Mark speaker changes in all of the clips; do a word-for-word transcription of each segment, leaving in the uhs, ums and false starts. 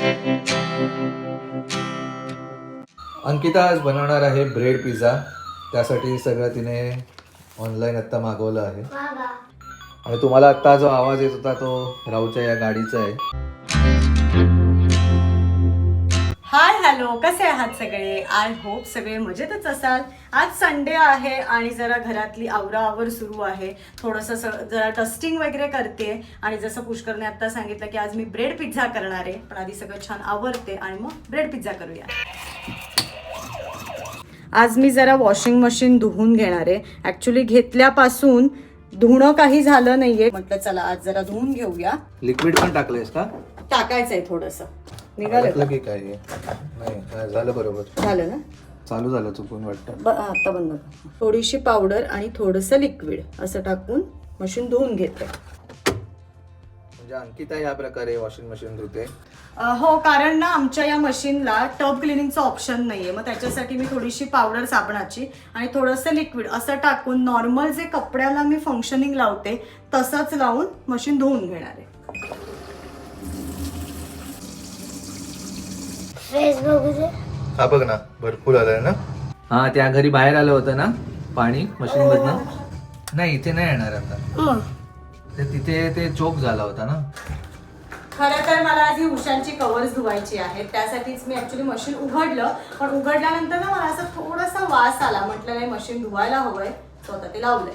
Speaker 1: अंकिता आज बनवणार आहे ब्रेड पिझ्झा. त्यासाठी सगळं तिने ऑनलाईन आत्ता मागवलं आहे. आणि तुम्हाला आत्ता जो आवाज येत होता तो राहूच्या या गाडीचा आहे.
Speaker 2: हाय हॅलो, कसे आहात सगळे? आय होप सगळे मजेतच असाल. आज संडे आहे आणि जरा घरातली आवराआवर सुरू आहे. थोडंसं जरा डस्टिंग वगैरे करते आणि जसं पुष्करने आता सांगितलं की आज मी ब्रेड पिझ्झा करणार आहे. पण आधी सगळं छान आवरते आणि मग ब्रेड पिझ्झा करूया. आज मी जरा वॉशिंग मशीन धुवून घेणार आहे. ॲक्च्युली घेतल्यापासून धुणं काही झालं नाहीये. म्हटलं चला आज जरा धुवून घेऊया.
Speaker 1: लिक्विड पण टाकलंयस का?
Speaker 2: टाकायचंय थोडंसं. निघालं
Speaker 1: की काय? नाही झालं, बरोबर
Speaker 2: झालं ना.
Speaker 1: चालू झालं चुकून वाटतं.
Speaker 2: आता बंद कर. थोडीशी पावडर आणि थोडंसं लिक्विड असं टाकून मशीन धुवून घेते.
Speaker 1: म्हणजे अंकिता या प्रकारे वॉशिंग मशीन धुते.
Speaker 2: हो, कारण ना आमच्या या मशीनला टब क्लिनिंगचं ऑप्शन नाहीये. मग त्याच्यासाठी मी थोडीशी पावडर साबणाची आणि थोडंसं लिक्विड असं टाकून नॉर्मल जे कपड्याला मी फंक्शनिंग लावते तसंच लावून मशीन धुवून घेणार आहे.
Speaker 1: हा बघ ना, भरपूर आलंय ना. हा, त्या घरी बाहेर आलं होतं ना पाणी मशीन मधनं. नाही, इथे नाही येणार आता. ते तिथे ते चोक झाला होता ना.
Speaker 2: खरं तर मला आधी उशांची कव्हर्स धुवायची आहेत. त्यासाठीच मी ऍक्च्युली मशीन उघडलं. पण उघडल्यानंतर ना मला असं थोडासा वास आला. म्हटलं नाही, मशीन धुवायला हवंय. स्वतः ते लावलंय.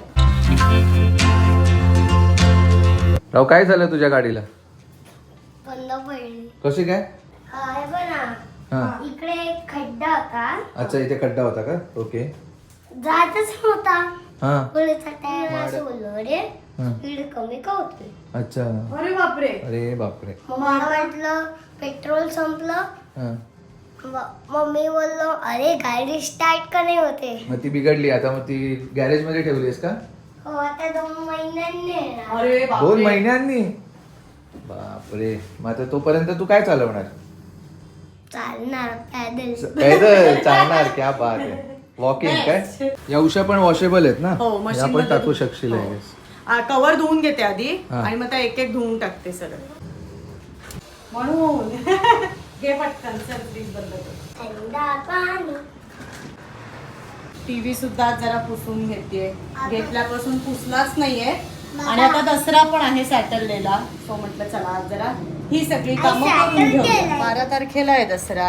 Speaker 1: राव, काय झालं तुझ्या गाडीला?
Speaker 3: बंद पडली.
Speaker 1: कशी काय?
Speaker 3: काय बना
Speaker 1: हा,
Speaker 3: इकडे एक खड्डा होता.
Speaker 1: अच्छा, इथे खड्डा होता का? ओके.
Speaker 3: जातच नव्हता.
Speaker 1: हा,
Speaker 3: पुढचा टायर असं बोललो रे
Speaker 1: हा.
Speaker 3: स्पीड कमी का होते.
Speaker 1: अच्छा.
Speaker 2: अरे बापरे.
Speaker 1: अरे बापरे.
Speaker 3: मग मला वाटलं पेट्रोल संपलं.
Speaker 1: हा,
Speaker 3: म- मम्मी बोललो अरे गाडी स्टार्ट का नाही होते.
Speaker 1: मग ती बिघडली. आता मग ती गॅरेज मध्ये ठेवलीस का?
Speaker 3: हो, आता दोन महिन्यांनी येणार.
Speaker 2: अरे
Speaker 1: दोन
Speaker 2: बापरे.
Speaker 1: महिन्यांनी? बापरे. मग आता तोपर्यंत तू काय चालवणार?
Speaker 3: चालणार पैदल.
Speaker 1: पैदल चालणार? क्या बात आहे. वॉकिंग काय? या उशा पण वॉशेबल आहेत ना.
Speaker 2: हो,
Speaker 1: या
Speaker 2: मशीन
Speaker 1: पण टाकू शकशील.
Speaker 2: कव्हर धुवून घेते आधी
Speaker 1: हा.
Speaker 2: आणि मग त्या एक एक धुवून टाकते सगळं. म्हणून घे पटकन. चल प्लीज बंद कर.
Speaker 3: थंडा पाणी.
Speaker 2: टीव्ही सुद्धा जरा पुसून घेते. घेतल्यापासून पुसलाच नाहीये. आणि आता दसरा पण आहे सॅटरडेला. सो म्हटलं चला आज जरा ही सगळी कामं करून घेऊ. बारा तारखेला आहे दसरा.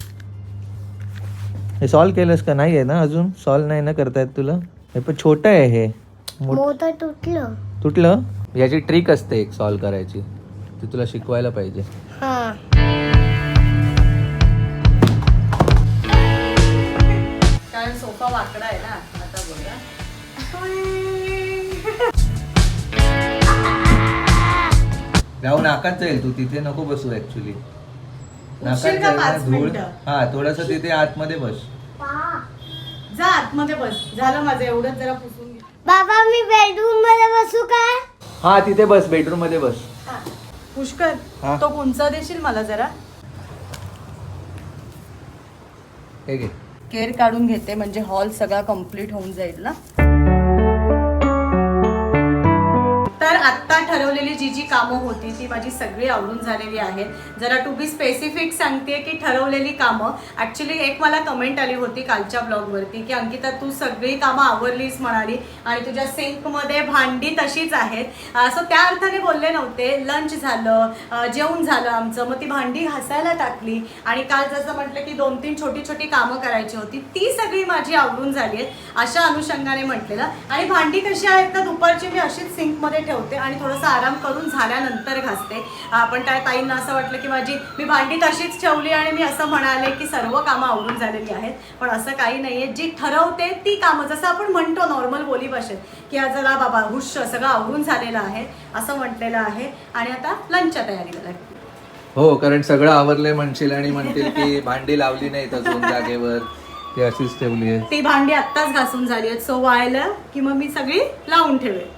Speaker 1: हे सॉल्व केलंस का? नाही आहे ना अजून. सॉल्व नाही ना करतायत तुला. हे पण छोटं आहे. हे
Speaker 3: मोठं तुटलं.
Speaker 1: तुटलं. याची ट्रिक असते एक सॉल्व करायची. ती तुला शिकवायला पाहिजे.
Speaker 3: हा.
Speaker 2: कारण सोफा वाकडा आहे ना. आता बघा.
Speaker 1: राहू, नाकात जाईल तू. तिथे नको बसू. ऍक्च्युली
Speaker 2: उशीर का पाच मिनिटं?
Speaker 1: हा, थोडस तिथे आतमध्ये बस.
Speaker 2: जा आतमध्ये बस. झालं माझं एवढंच. जरा पुसून घे.
Speaker 3: बाबा मी बेडरूम मध्ये बसू काय?
Speaker 1: हा, तिथे बस. बेडरूम मध्ये बस.
Speaker 2: पुष्कर,
Speaker 1: हा.
Speaker 2: तो कुंचा देशील मला जरा.
Speaker 1: हे घे.
Speaker 2: केअर काढून घेते म्हणजे हॉल सगळा कम्प्लीट होऊन जाईल ना. तर आत्ता ठरवलेली जी जी कामं होती ती माझी सगळी आवडून झालेली आहेत. जरा टू बी स्पेसिफिक सांगते की ठरवलेली कामं. ॲक्च्युली एक मला कमेंट आली होती कालच्या ब्लॉगवरती की अंकिता तू सगळी कामं आवरलीस म्हणाली आणि तुझ्या सिंकमध्ये भांडी तशीच आहेत. सो त्या अर्थाने बोलले नव्हते. लंच झालं, जेवण झालं आमचं. मग ती भांडी घासायला टाकली आणि काल जसं म्हटलं की दोन तीन छोटी छोटी कामं करायची होती ती सगळी माझी आवडून झाली आहेत अशा अनुषंगाने म्हटलेलं. आणि भांडी कशी आहेत तर दुपारची मी अशीच सिंकमध्ये ठेवते आणि थोडंसं आराम करून झाल्यानंतर घासते. पण त्या ताईंना असं वाटलं की माझी मी भांडी तशीच ठेवली आणि मी असं म्हणाले की सर्व कामं आवरून झालेली आहेत. पण असं काही नाहीये. जी ठरवते ती कामं, जसं आपण म्हणतो नॉर्मल बोली भाषेत की आज जरा बाबा हुश सगळं आवरून झालेलं आहे असं म्हटलेलं आहे. आणि आता लंचच्या तयारीला लागते.
Speaker 1: हो, कारण सगळं आवरलंय म्हणशील आणि म्हणतील की भांडी लावली नाही अजून जागेवर. ती अशीच ठेवली आहे.
Speaker 2: ती भांडी आत्ताच घासून झाली आहेत. सो वाळलं की मग मी सगळी लावून ठेवेल.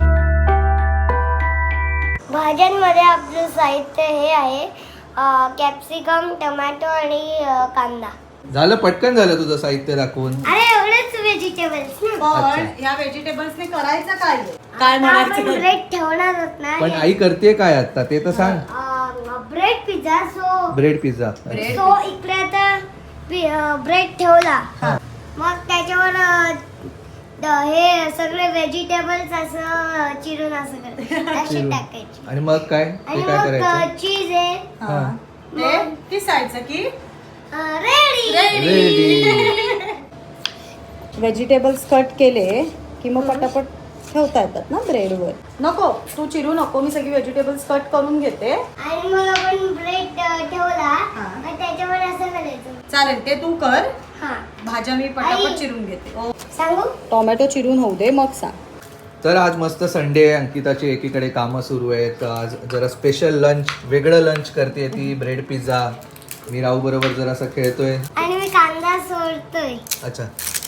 Speaker 3: भाज्यांमध्ये आपलं साहित्य हे आहे कॅप्सिकम, टोमॅटो आणि अ, कांदा.
Speaker 1: झालं, पटकन झालं तुझं साहित्य दाखवून.
Speaker 3: अरे एवढेच व्हेजिटेबल्स.
Speaker 2: पण ह्या व्हेजिटेबल्सने करायचं काय? काय म्हणायचं?
Speaker 3: ब्रेड ठेवणार होत ना.
Speaker 1: पण आई करते काय आता ते तर सांग.
Speaker 3: Bread pizza so
Speaker 1: bread pizza.
Speaker 2: Bread
Speaker 3: so इकडे आता ब्रेड ठेवला
Speaker 2: हा.
Speaker 3: मग त्याच्यावर अ, द- हे सगळे व्हेजिटेबल्स असं चिरून असं कर- असे
Speaker 1: चिरून.
Speaker 3: टाकायचे
Speaker 1: आणि मग काय
Speaker 3: आणि
Speaker 1: ते काय
Speaker 3: मग
Speaker 1: करायचं?
Speaker 3: चीज आहे
Speaker 2: हा. ते किसायचं की
Speaker 3: रेडी
Speaker 1: रेडी.
Speaker 2: व्हेजिटेबल्स कट केले की मग पटापट ठेवता येतात ना ब्रेडवर. नको तू चिरू नको, मी सगळी व्हेजिटेबल्स कट करून घेते.
Speaker 3: आणि मग आपण ब्रेड ठेवला
Speaker 2: हा.
Speaker 3: मग त्याच्यावर असं करायचं.
Speaker 2: चालेल ते तू कर,
Speaker 3: हा
Speaker 2: भाज्या मी पटापट
Speaker 3: आई.
Speaker 2: चिरून घेते. ओ,
Speaker 3: सांगू
Speaker 2: टोमॅटो चिरून होऊ दे मग सांग.
Speaker 1: तर आज मस्त संडे आहे, अंकिताची एकीकडे कामं सुरू आहेत. आज जरा स्पेशल लंच, वेगळं लंच करते ती, ब्रेड पिझ्झा. मी राहू बरोबर जरासा खेळतोय.
Speaker 3: आणि मी कांदा सोडतोय.
Speaker 1: अच्छा.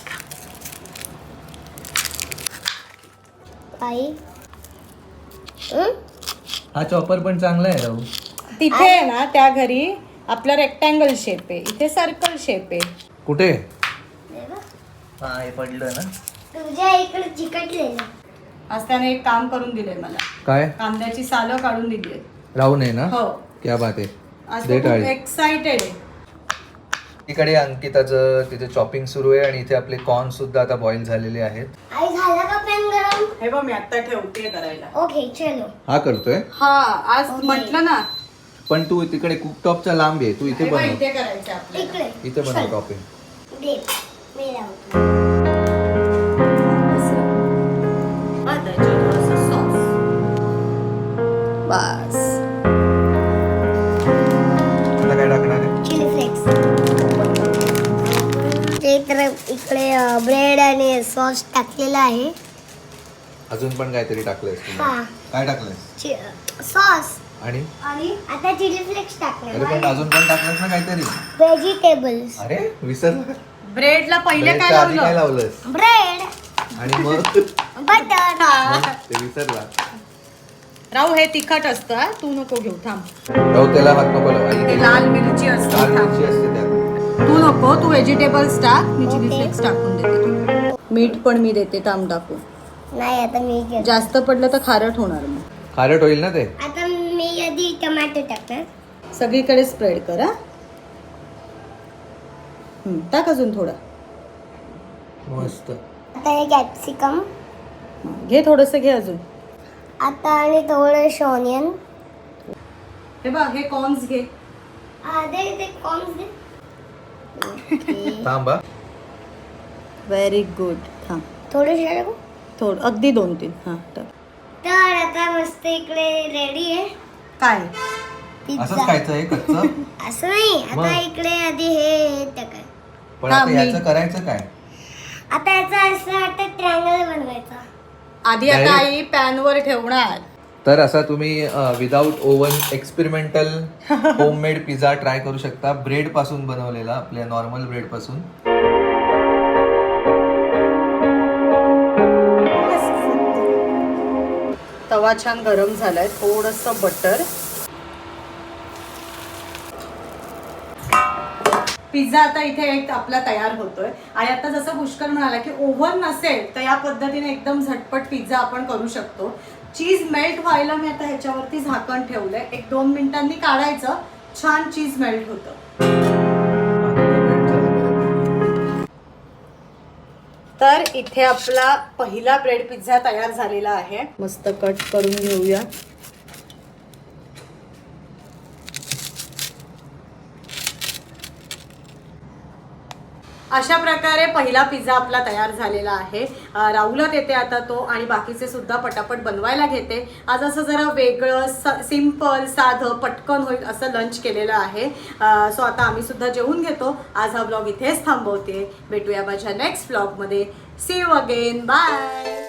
Speaker 3: आई हं?
Speaker 1: हा चॉपर पण चांगला आहे राहू.
Speaker 2: तिथे आहे ना त्या घरी आपला रेक्टँगल शेप आहे, इथे सर्कल शेप आहे.
Speaker 1: कुठे?
Speaker 3: दे गं.
Speaker 1: हा हे पडलं ना.
Speaker 3: तुझ्या इकडे चिकटलेलं.
Speaker 2: आज त्याने एक काम करून दिलंय मला,
Speaker 1: काय?
Speaker 2: कांद्याची सालं काढून दिली.
Speaker 1: राहू नये ना.
Speaker 2: हो,
Speaker 1: क्या बात आहे.
Speaker 2: आज
Speaker 1: दे
Speaker 2: तो खूप
Speaker 1: टाळी.
Speaker 2: एक्साइटेड आहे.
Speaker 1: इकडे अंकिताचं तिथे चॉपिंग सुरू आहे आणि इथे आपले कॉर्न सुद्धा आता बॉईल झालेले आहेत.
Speaker 3: आई झाला का पॅन गरम?
Speaker 2: हे बघ मी आता ठेवते करायला.
Speaker 3: ओके चलो.
Speaker 1: हा करतोय.
Speaker 2: हा आज
Speaker 3: Okay.
Speaker 2: म्हटलं ना,
Speaker 1: पण तू तिकडे कुकटॉपचा लांब आहे, तू इथे
Speaker 2: हे बघ,
Speaker 1: बनव.
Speaker 2: इथे करायचं आपल्याला.
Speaker 3: इकडे
Speaker 1: इथे बनव टॉपिंग.
Speaker 3: दे मी लावतो.
Speaker 2: हा, त्याच्यावर थोडंसं sauce. बस
Speaker 1: आता काय टाकणार आहे?
Speaker 3: Chilli flakes. ते तर इकडे ब्रेड आणि सॉस टाकलेला आहे.
Speaker 1: अजून पण काहीतरी टाकलंयस तू.
Speaker 3: हा
Speaker 1: काय टाकलंयस?
Speaker 3: सॉस
Speaker 1: आणि
Speaker 3: आणि आता चिली फ्लेक्स
Speaker 1: अरे पण
Speaker 3: टाकले.
Speaker 1: अजून पण टाकलंस ना काहीतरी.
Speaker 3: व्हेजिटेबल्स.
Speaker 1: अरे विसरलं.
Speaker 2: ब्रेडला पहिले काय
Speaker 1: ब्रेडच्या आधी काय
Speaker 2: लावलं?
Speaker 1: लावलंस?
Speaker 3: ब्रेड
Speaker 1: आणि मग
Speaker 3: बटर.
Speaker 1: मग ते विसरला.
Speaker 2: राहू हे तिखट असतं हा, तू नको घेऊ, थांब.
Speaker 1: राहू त्याला हात नको लावू. आई
Speaker 2: ते
Speaker 1: घे.
Speaker 2: लाल मिरची असते,
Speaker 1: लाल
Speaker 2: थांब.
Speaker 1: मिरची असते त्यात.
Speaker 2: तू नको, तू व्हेजिटेबल्स टाक, मी चिली
Speaker 3: Okay.
Speaker 2: फ्लेक्स टाकून देते. मीठ पण मी देते, थांब टाकू.
Speaker 3: नाही आता मी घेतो.
Speaker 2: जास्त पडलं तर खारट होणार मग.
Speaker 1: खारट होईल ना ते.
Speaker 3: आता मी आधी टोमॅटो टाकणार.
Speaker 2: सगळीकडे स्प्रेड कर हा. हम्म, टाक अजून थोडा.
Speaker 1: मस्त.
Speaker 3: आता हे कॅप्सिकम.
Speaker 2: हं, घे थोडंसं घे अजून.
Speaker 3: आता आणि थोडं ऑनियन.
Speaker 2: हे बघ हे कॉर्न्स घे.
Speaker 3: दे ते कॉर्न्स दे.
Speaker 1: थांब हा.
Speaker 2: Very good. थांब
Speaker 3: थोडे टाकू.
Speaker 2: थोडं, अगदी दोन तीन. हां टाक.
Speaker 3: तर आता मस्त इकडे रेडी आहे
Speaker 2: काय
Speaker 1: असंच
Speaker 3: पिझ्झा.
Speaker 1: खायचं आहे कच्चं.
Speaker 3: असं नाही
Speaker 1: मग?
Speaker 3: आता इकडे आधी हे टाकाय.
Speaker 1: पण
Speaker 2: हा,
Speaker 1: आता
Speaker 2: मी-
Speaker 1: याचं करायचं काय?
Speaker 3: आता याचा असं आता ट्रँगल बनवायचा.
Speaker 2: आधी आता
Speaker 1: Direct?
Speaker 2: आई पॅन वर ठेवणार.
Speaker 1: तर असा तुम्ही without oven experimental homemade pizza try करू शकता, ब्रेड पासून बनवलेला, आपल्या नॉर्मल ब्रेड पासून.
Speaker 2: तवा छान गरम झालाय, थोडंसं बटर. पिझ्झा आता इथे एक आपला तयार होतोय आणि आता जसं पुष्कर म्हणाला की ओव्हन नसेल तर या पद्धतीने एकदम झटपट पिझ्झा आपण करू शकतो. चीज मेल्ट व्हायला मी आता ह्याच्यावरती झाकण ठेवलंय, एक दोन मिनिटांनी काढायचं, छान चीज मेल्ट होतं. तर इथे आपला पहिला ब्रेड पिझ्झा तयार झालेला आहे. मस्त कट करून घेऊया. अशा प्रकारे पहिला पिझ्झा आपला तयार झालेला आहे. राहुला देते आता तो आणि बाकीचे सुद्धा पटापट बनवायला घेते. आज असं जरा वेगळं सिम्पल साधं पटकन होईल असं लंच केलेलं आहे. सो आता आम्ही सुद्धा जेवून घेतो. आज हा ब्लॉग इथेच थांबवते. भेटूया माझ्या नेक्स्ट ब्लॉगमध्ये. See you again. बाय.